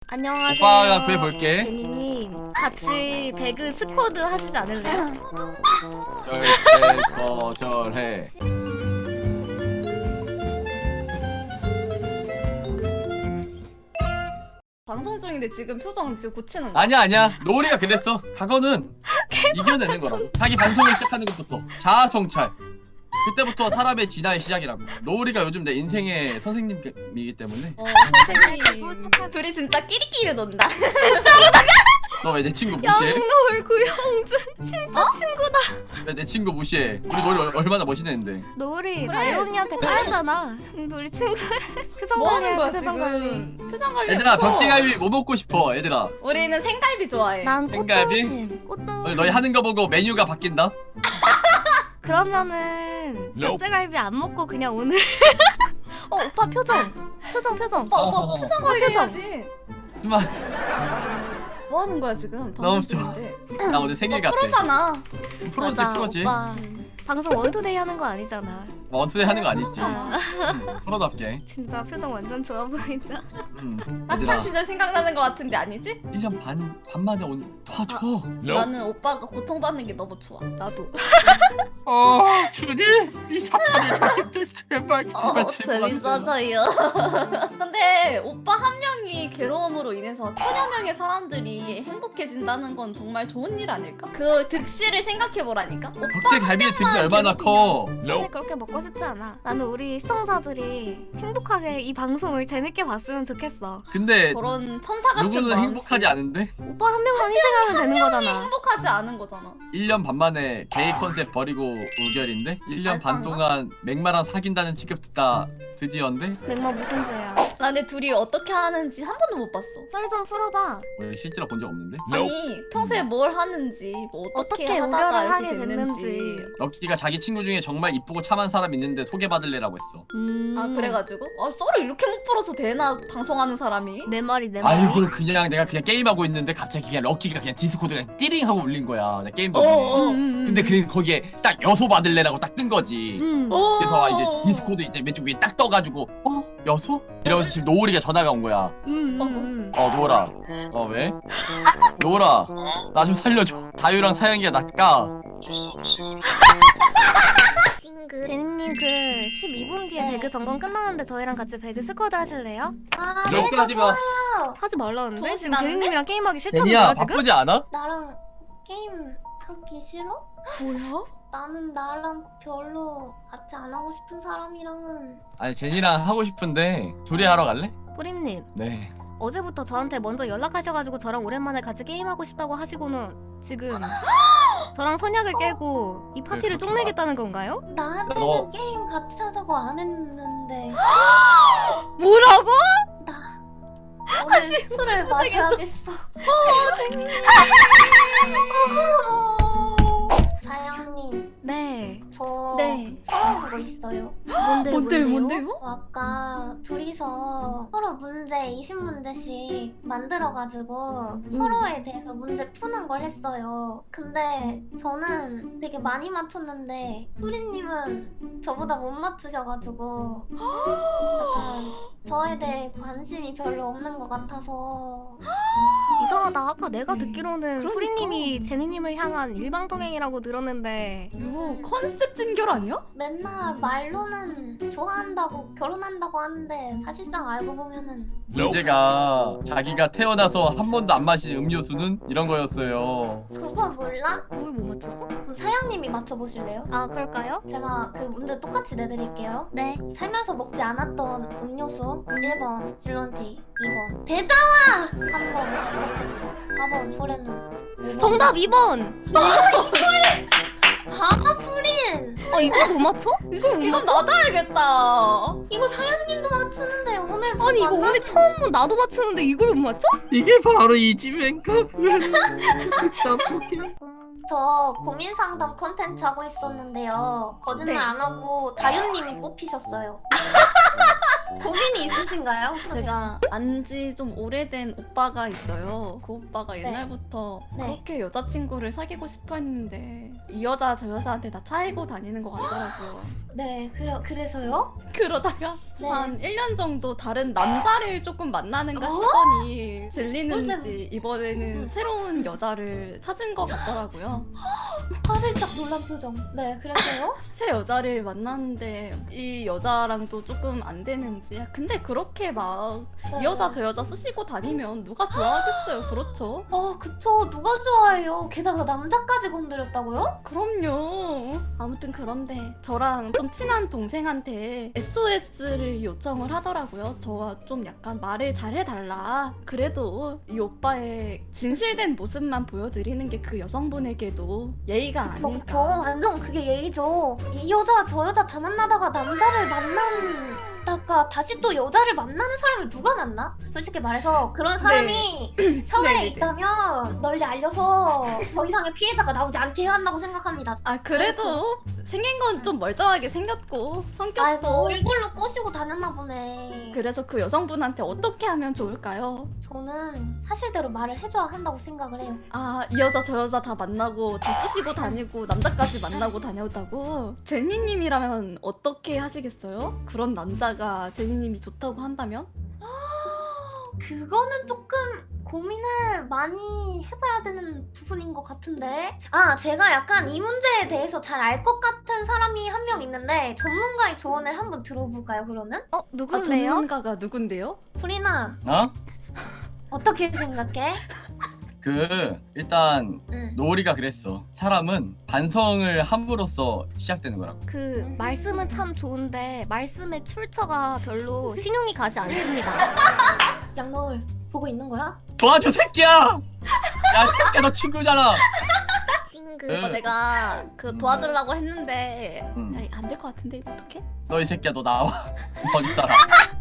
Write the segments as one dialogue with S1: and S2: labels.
S1: 안녕하세요.
S2: 오빠가 구해볼게.
S1: 제니님 같이 배그 스쿼드 하시지 않을래요?
S2: 절대 거절해.
S3: 방송 중인데 지금 표정 지금 고치는 거.
S2: 아니야 노을이가 그랬어. 각오는 이겨내는 거라고. 자기 방송을 시작하는 것부터 자아 성찰. 그때부터 사람의 진화의 시작이라고. 노을이가 요즘 내 인생의 선생님이기 때문에.
S3: 선생님. 둘이 진짜 끼리끼리 논다.
S2: 너 왜 내 친구 무시해?
S1: 양노을 구영준 진짜 친구다.
S2: 왜 내 친구 무시해? 우리 노을이 얼마나 멋있는데.
S1: 노을이
S3: 그래,
S1: 다이 언니한테
S3: 친구야.
S1: 까였잖아. 우리 친구. 표정
S3: 뭐 하는 거야
S1: 관리해야지 표정 관리.
S3: 지금? 표정 관리.
S2: 얘들아
S3: 무서워.
S2: 벽지갈비 뭐 먹고 싶어 얘들아.
S3: 우리는 생갈비 좋아해.
S1: 난
S2: 생갈비?
S1: 꽃등심. 꽃등심.
S2: 너희 하는 거 보고 메뉴가 바뀐다?
S1: 그러면은 닭갈비 안 먹고 그냥 오늘. 오빠 표정. 표정.
S3: 뭐 표정 관리
S1: 표정.
S3: 해야지.
S2: 그만.
S3: 뭐 하는 거야 지금?
S2: 너무
S3: 방송
S2: 좋아.
S3: 중인데.
S2: 나 오늘 생일 같아.
S3: 프로잖아.
S2: 프로지.
S1: 오빠 방송 원투데이 하는 거 아니잖아.
S2: 원투데이 하는 거 아니지.
S1: 아,
S2: 프로답게.
S1: 진짜 표정 완전 좋아 보인다.
S3: 학창
S2: 얘들아
S3: 시절 생각나는 거 같은데 아니지?
S2: 1년 반 만에 도와줘.
S3: 나는 오빠가 고통받는 게 너무 좋아.
S1: 나도.
S2: 주님 이 사탄의 자식들 제발
S3: 재밌어져요. 근데 오빠 한 명이 괴로움으로 인해서 천여 명의 사람들이 행복해진다는 건 정말 좋은 일 아닐까? 그 득실을 생각해보라니까?
S2: 벽제 갈비의 등이 얼마나 커.
S1: 사실 그렇게 먹고 싶지 않아. 나는 우리 시청자들이 행복하게 이 방송을 재밌게 봤으면 좋겠어.
S2: 근데
S3: 저런 천사 같은
S2: 누구는
S3: 마음씨.
S2: 행복하지 않은데?
S1: 오빠 한 명만 희생하면 되는 거잖아.
S3: 행복하지 않은 거잖아.
S2: 1년 반 만에 게이 컨셉 버리고 우결인데? 1년 반
S3: 알빵가?
S2: 동안 맥마랑 사귄다는 취급 듣다 드디어인데?
S1: 맥마 무슨 죄야?
S3: 나 근데 둘이 어떻게 하는지 한 번도 못 봤어.
S1: 썰 좀 풀어봐.
S2: 왜 실제로 본 적 없는데?
S3: 아니 평소에 뭘 하는지 뭐 어떻게
S1: 어떻게
S3: 하다가
S1: 우결을
S3: 이렇게
S1: 하게 됐는지.
S2: 럭키가 자기 친구 중에 정말 이쁘고 참한 사람 있는데 소개받을래라고 했어.
S3: 아 그래가지고? 썰을 이렇게 못 풀어서 되나 방송하는 사람이?
S1: 내 말이 내 말이.
S2: 아이고 내가 그냥 게임하고 있는데 갑자기 그냥 럭키가 그냥 디스코드가 띠링 하고 울린 거야. 내 게임 도중에. 근데 거기에 딱 여소 받을래라고 딱 뜬 거지. 그래서 이제 디스코드 이제 왼쪽 위에 딱 떠가지고 여소? 이러면서 지금 노을이가 전화가 온 거야. 노을아. 왜? 노을아 나 좀 살려줘. 다유랑 사영이가 나 까.
S1: 제니님 그 12분 뒤에 배그 점검 끝나는데 저희랑 같이 배그 스쿼드 하실래요?
S2: 럭키 하지 마.
S1: 하지 말라는데?
S3: 좋은
S1: 지금
S3: 시간인데?
S1: 제니님이랑 게임하기 싫다는
S2: 제니야
S1: 거야 지금?
S2: 바쁘지 않아?
S4: 나랑 게임 하기 싫어?
S3: 뭐야?
S4: 나는 나랑 별로 같이 안 하고 싶은 사람이랑은
S2: 아니 제니랑 하고 싶은데 둘이 하러 갈래?
S1: 뿌리님
S2: 네.
S1: 어제부터 저한테 먼저 연락하셔가지고 저랑 오랜만에 같이 게임하고 싶다고 하시고는 지금 저랑 선약을 깨고 이 파티를
S2: 그렇지
S1: 쪽내겠다는 건가요?
S4: 나한테는
S2: 너-
S4: 게임 같이 하자고 안 했는데
S1: 뭐라고?
S4: 오늘 술을 마셔야겠어. 사장님,
S1: 네.
S4: 저
S3: 네.
S4: 서러운 거 있어요.
S1: 뭔데요?
S4: 아까 둘이서 서로 문제 20문제씩 만들어가지고 서로에 대해서 문제 푸는 걸 했어요. 근데 저는 되게 많이 맞췄는데 뿌리님은 저보다 못 맞추셔가지고 약간 저에 대해 관심이 별로 없는 것 같아서
S1: 이상하다. 아까 내가 듣기로는
S3: 그러니까.
S1: 프리님이 제니님을 향한 일방통행이라고 들었는데
S3: 이거 컨셉 진결 아니야?
S4: 맨날 말로는 좋아한다고 결혼한다고 하는데 사실상 알고 보면은
S2: 문제가 자기가 태어나서 한 번도 안 마신 음료수는 이런 거였어요.
S4: 그거 몰라?
S1: 그걸 못 맞췄어?
S4: 그럼 사장님이 맞춰보실래요?
S1: 아 그럴까요?
S4: 제가 그 문제 똑같이 내드릴게요.
S1: 네.
S4: 살면서 먹지 않았던 음료수 1번 질런티 2번 대자와 3번 4번 소래는
S1: 정답 2번!
S4: 바보 프린!
S1: 아 이걸 못 맞춰? 이걸 못
S3: 이건
S1: 맞춰?
S3: 나도 알겠다.
S4: 이거 사장님도 맞추는데 오늘 뭐
S1: 아니 이거 오늘
S4: 만나서-
S1: 처음 본 나도 맞추는데 이걸 못 맞춰?
S2: 이게 바로 이지맨가? 떡볶이.
S4: 저 고민 상담 컨텐츠 하고 있었는데요. 거짓말
S3: 네.
S4: 안 하고 다윤님이 뽑히셨어요. 고민이 있으신가요? 혹시?
S3: 제가 안지 좀 오래된 오빠가 있어요. 그 오빠가 옛날부터
S4: 네.
S3: 그렇게 여자친구를 사귀고 싶어 했는데 이 여자 저 여자한테 다 차이고 다니는 것 같더라고요.
S4: 네, 그래서요?
S3: 그러다가
S4: 네.
S3: 한 1년 정도 다른 남자를 조금 만나는가
S4: 어?
S3: 싶더니 질리는지
S4: 꿀잼.
S3: 이번에는 새로운 여자를 찾은 것 같더라고요.
S4: 화들짝 놀란 표정. 네, 그래서요?
S3: 새 여자를 만났는데 이 여자랑도 조금 안 되는지. 근데 그렇게 막 이 여자 저 여자 쑤시고 다니면 누가 좋아하겠어요. 그렇죠?
S4: 그쵸. 누가 좋아해요? 게다가 남자까지 건드렸다고요?
S3: 그럼요. 아무튼 그런데 저랑 좀 친한 동생한테 SOS를 요청을 하더라고요. 저와 좀 약간 말을 잘 해달라. 그래도 이 오빠의 진실된 모습만 보여드리는 게 그 여성분에게도 예의가
S4: 그쵸,
S3: 아닐까.
S4: 그쵸. 완전 그게 예의죠. 이 여자 저 여자 다 만나다가 남자를 만나다가 다시 또 여자를 만나는 사람을 누가 만나? 솔직히 말해서 그런 사람이 사회에
S3: 네네네.
S4: 있다면 널리 알려서 더 이상의 피해자가 나오지 않게 해야 한다고 생각합니다.
S3: 아 그래도 생긴 건 좀 멀쩡하게 생겼고 성격도
S4: 아이고 얼굴로 꼬시고 다녔나 보네.
S3: 그래서 그 여성분한테 어떻게 하면 좋을까요?
S4: 저는 사실대로 말을 해줘야 한다고 생각을 해요.
S3: 아, 이 여자 저 여자 다 만나고 다 쑤시고 다니고 남자까지 만나고 다녔다고? 제니님이라면 어떻게 하시겠어요? 그런 남자가 제니님이 좋다고 한다면?
S4: 그거는 조금 고민을 많이 해봐야 되는 부분인 것 같은데. 제가 약간 이 문제에 대해서 잘 알 것 같은 사람이 한 명 있는데 전문가의 조언을 한번 들어볼까요? 그러면?
S1: 누군데요?
S3: 전문가가 누군데요?
S4: 프리나
S2: 어?
S4: 어떻게 생각해?
S2: 일단
S4: 응.
S2: 노을이가 그랬어. 사람은 반성을 함으로써 시작되는 거라고.
S1: 그 말씀은 참 좋은데 말씀의 출처가 별로 신용이 가지 않습니다.
S4: 양노을 보고 있는 거야?
S2: 도와줘 새끼야! 야 새끼야 너 친구잖아.
S1: 찡그.
S2: 응.
S3: 내가 그 도와주려고 했는데
S2: 응.
S3: 안 될 것 같은데 이거 어떡해?
S2: 너 이 새끼야 너 나와. 어디 살아?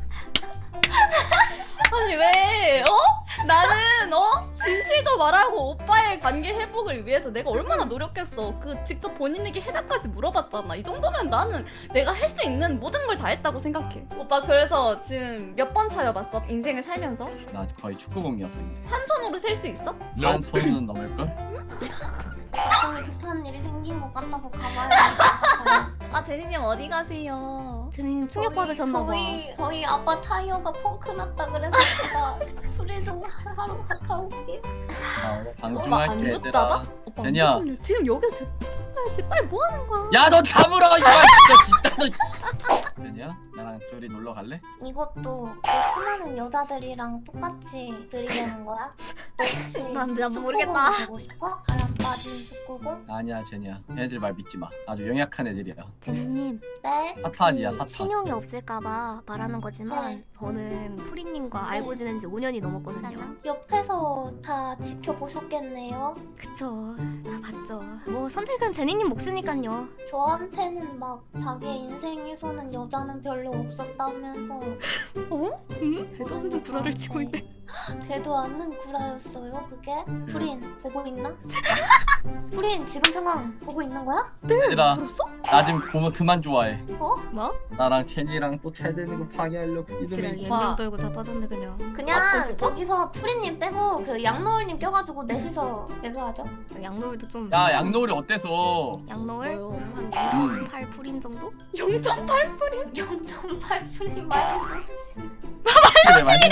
S3: 아니 왜 나는 진실도 말하고 오빠의 관계 회복을 위해서 내가 얼마나 노력했어. 그 직접 본인에게 해답까지 물어봤잖아. 이 정도면 나는 내가 할 수 있는 모든 걸 다 했다고 생각해. 오빠 그래서 지금 몇 번 차여봤어? 인생을 살면서?
S2: 나 거의 축구공이었어 이제.
S3: 한 손으로 셀 수 있어?
S2: 한 손은 넘을걸?
S4: 갑자기 급한 일이 생긴 것 같아서 가봐야
S3: 아 제니님 어디 가세요?
S1: 제니님 충격 받으셨나봐.
S4: 저희 아빠 타이어가 펑크 났다 그래서 제가 수리 좀 하러 갔다 올게.
S2: 나 오늘 방송
S3: 오빠 안
S2: 할게
S3: 붙잡아?
S2: 얘들아.
S3: 오빠
S2: 제니야.
S3: 안 붙잡냐? 지금 여기서 잡아야지. 빨리 뭐 하는 거야?
S2: 야 너 다물어 이거 진짜 너. 제니야 나랑 저리 놀러 갈래?
S4: 이것도 수많은 여자들이랑 똑같이 들이대는 거야? 너 혹시
S1: 난 모르겠다.
S4: 축구공 보고 싶어? 바람 빠진 축구공?
S2: 아니야 제니야. 걔네들 말 믿지 마. 아주 연약한 애들이야.
S1: 제니님
S4: 네?
S2: 사탄이야 사탄.
S1: 신용이 없을까봐 말하는 거지만
S4: 네.
S1: 저는 프리님과 알고 지낸 지 5년이 넘었거든요.
S4: 옆에서 다 지켜보셨겠네요.
S1: 그쵸. 다 봤죠. 뭐 선택은 제니님 몫이니깐요.
S4: 저한테는 막 자기의 인생에서는 여자는 별로 없었다면서
S1: 대도 없는 구라를 치고 있네.
S4: 되도 않는 구라였어요 그게? 프린 보고 있나? 프린 지금 상황 보고 있는 거야?
S2: 얘들아
S3: 들었어?
S2: 나 지금 그만 좋아해.
S1: 뭐?
S2: 나랑 제니랑 또 잘 되는 거 파괴하려고
S1: 지랄
S2: 이놈의
S1: 연명 떨고 자빠졌네 그냥.
S3: 맞고
S4: 그냥
S3: 싶어?
S4: 여기서 프린님 빼고 그 양노을님 껴가지고 넷이서 내가 하죠.
S1: 양노을도 좀.
S2: 야 양노을이 어때서?
S1: 양노을?
S3: 뭐요?
S1: 한 0.8 프린 정도?
S3: 0.8%?
S4: 0.8 프린 말고
S2: 그래 많이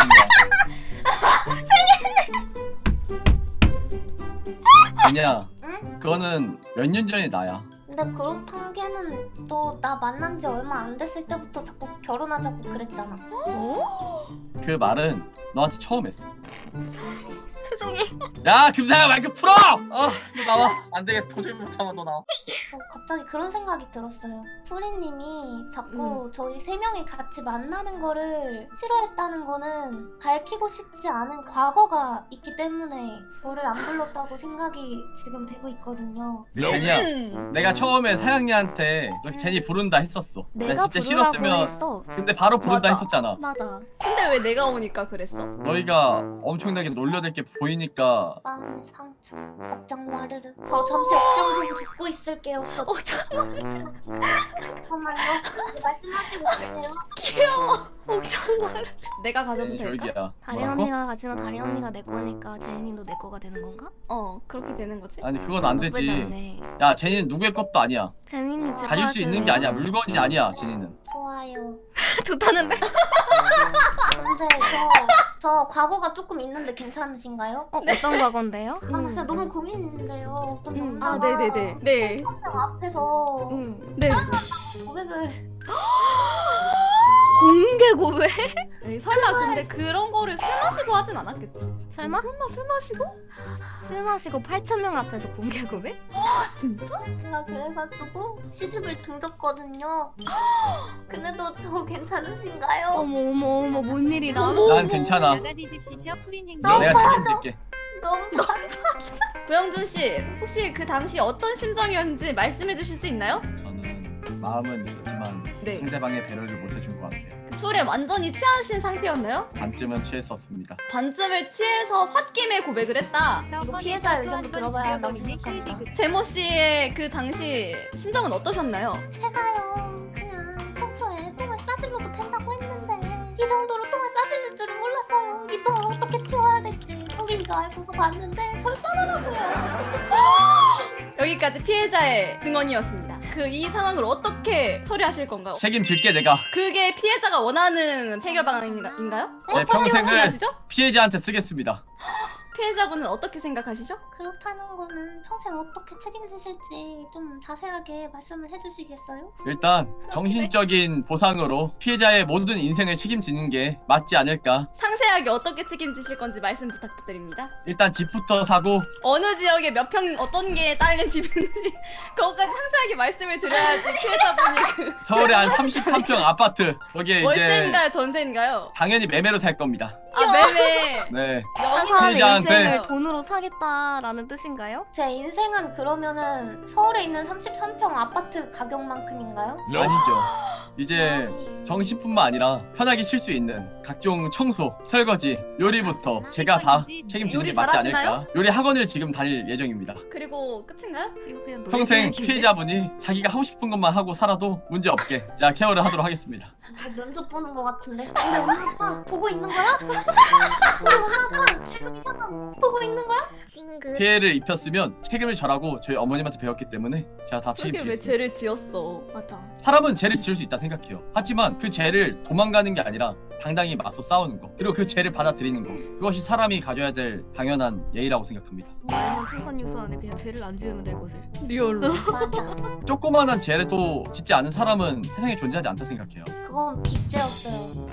S2: 그냥
S4: 응?
S2: 그거는 몇 년 전의 나야.
S4: 근데 그렇다기에는 너 나 만난 지 얼마 안 됐을 때부터 자꾸 결혼하자고 그랬잖아.
S2: 그 말은 너한테 처음 했어.
S1: 최종이.
S2: 야 김사야 마이크 풀어! 너 나와. 안 되겠어. 도저히 못 참아 너 나와.
S4: 갑자기 그런 생각이 들었어요. 프리님이 자꾸 저희 세 명이 같이 만나는 거를 싫어했다는 거는 밝히고 싶지 않은 과거가 있기 때문에 저를 안 불렀다고 생각이 지금 되고 있거든요.
S2: 제니야 내가 처음에 사양이한테 그렇게 제니 부른다 했었어.
S1: 내가
S2: 진짜
S1: 부르라고
S2: 싫었으면
S1: 했어.
S2: 근데 바로 부른다
S3: 맞아.
S2: 했었잖아.
S1: 맞아.
S3: 근데 왜 내가 오니까 그랬어?
S2: 너희가 엄청나게 놀려댈 게 보이니까
S4: 마음의 상처, 억장 와르르. 저 잠시 억장 좀 듣고 있을게요. 있어요. 저 잠깐만요. 말씀하시고 계세요.
S3: 귀여워. 옥정말. 내가 가져도
S2: 네,
S3: 될까?
S2: 저기야.
S1: 다리
S2: 뭐라고?
S1: 언니가 가지면 다리 언니가 내 거니까 제니님도 내 거가 되는 건가?
S3: 그렇게 되는 거지?
S2: 아니 그건 안
S1: 나쁘지
S2: 되지.
S1: 않네.
S2: 야 제니는 누구의 것도 아니야.
S1: 제니님 제
S2: 가질 수 있는 게 아니야. 물건이 아니야 제니는.
S4: 좋아요.
S1: 좋다는데?
S4: 근데 저 과거가 조금 있는데 괜찮으신가요?
S1: 어떤 과건데요?
S4: 아, 나 진짜 너무 고민인데요. 어떤 남자가
S3: 네네네. 네.
S4: 명 앞에서
S3: 네.
S4: 고백을
S1: 공개 고백?
S3: 에이, 설마 근데 그런 거를 술 마시고 하진 않았겠지?
S1: 설마?
S3: 설마 술 마시고?
S1: 술 마시고 8,000명 앞에서 공개 고백?
S3: 진짜?
S4: 제가 그래가지고 시집을 등졌거든요. 그래도 저 괜찮으신가요?
S1: 어머 뭔 일이다.
S2: 난 괜찮아.
S5: 나가 뒤집시셔 프린 행동.
S2: 내가 책임질게.
S4: 너무
S3: 구영준 씨, 혹시 그 당시 어떤 심정이었는지 말씀해 주실 수 있나요?
S2: 저는 마음은 있었지만
S3: 네.
S2: 상대방의 배려를 못 해준 것 같아요.
S3: 술에 완전히 취하신 상태였나요?
S2: 반쯤은 취했었습니다.
S3: 반쯤을 취해서 홧김에 고백을 했다.
S4: 이거 피해자 의견도 들어봐야 한다고 생각합니다.
S3: 제모 씨의 그 당시 심정은 어떠셨나요?
S4: 제가요 그냥 평소에 똥을 싸질러도 된다고 했는데 이 정도로 똥을 싸질릴 줄은 몰랐어요. 이 똥을 어떻게 치워야 될지 똥인 줄 알고서 봤는데 설사하더라고요.
S3: 여기까지 피해자의 증언이었습니다. 그 이 상황을 어떻게 처리하실 건가요?
S2: 책임질게 내가.
S3: 그게 피해자가 원하는 해결 방안인가요?
S2: 내 평생을
S3: 확신하시죠?
S2: 피해자한테 쓰겠습니다.
S3: 피해자분은 어떻게 생각하시죠?
S4: 그렇다는 거는 평생 어떻게 책임지실지 좀 자세하게 말씀을 해주시겠어요?
S2: 일단 정신적인 보상으로 피해자의 모든 인생을 책임지는 게 맞지 않을까.
S3: 상세하게 어떻게 책임지실 건지 말씀 부탁드립니다.
S2: 일단 집부터 사고
S3: 어느 지역에 몇 평 어떤 게 딸린 집인지 그것까지 상세하게 말씀을 드려야지 피해자분이 그
S2: 서울에 한 33평 아파트 거기에 이제
S3: 월세인가요 전세인가요?
S2: 당연히 매매로 살 겁니다.
S3: 아 매매
S2: 네.
S1: 한 사람의
S2: 피해자한테-
S1: 인생을 돈으로 사겠다라는 뜻인가요?
S4: 제 인생은 그러면은 서울에 있는 33평 아파트 가격만큼인가요?
S2: 아니죠. 이제 정신뿐만 아니라 편하게 쉴 수 있는 각종 청소, 설거지, 요리부터 제가 다 책임지는
S3: 요리
S2: 게 맞지
S3: 잘하시나요?
S2: 않을까. 요리 학원을 지금 다닐 예정입니다.
S3: 그리고 끝인가요?
S1: 이거 그냥 노래
S2: 평생
S1: 이야기인데?
S2: 피해자분이 자기가 하고 싶은 것만 하고 살아도 문제 없게 제가 케어를 하도록 하겠습니다.
S4: 면접 보는 것 같은데. 우리 엄마 아빠 보고 있는 거야? 우리 엄마 아빠 지금 이 상황 보고 있는 거야? 찡긋.
S2: 피해를 입혔으면 책임을 절하고 저희 어머님한테 배웠기 때문에 제가 다
S3: 저게 왜
S2: 책임지겠습니다.
S3: 죄를 지었어?
S1: 맞아.
S2: 사람은 죄를 지을 수 있다 생각해요. 하지만 그 죄를 도망가는 게 아니라 당당히 맞서 싸우는 거, 그리고 그 죄를 받아들이는 거, 그것이 사람이 가져야 될 당연한 예의라고 생각합니다.
S1: 말년 청산 유수 안에 그냥 죄를 안 지으면 될 것을.
S3: 리얼로.
S4: 맞아.
S2: 조그마한 죄를 또 짓지 않은 사람은 세상에 존재하지 않다 생각해요.
S4: 그건 빅죄였어요.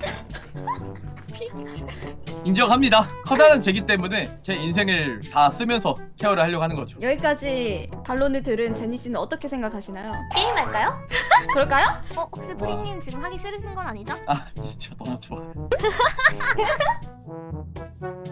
S2: 인정합니다. 커다란 죄기 때문에 제 인생을 다 쓰면서 케어를 하려고 하는 거죠.
S3: 여기까지 반론을 들은 제니 씨는 어떻게 생각하시나요?
S4: 게임할까요?
S3: 그럴까요?
S1: 혹시 프리님 지금 하기 싫으신 건 아니죠?
S2: 아 진짜 너무 좋아.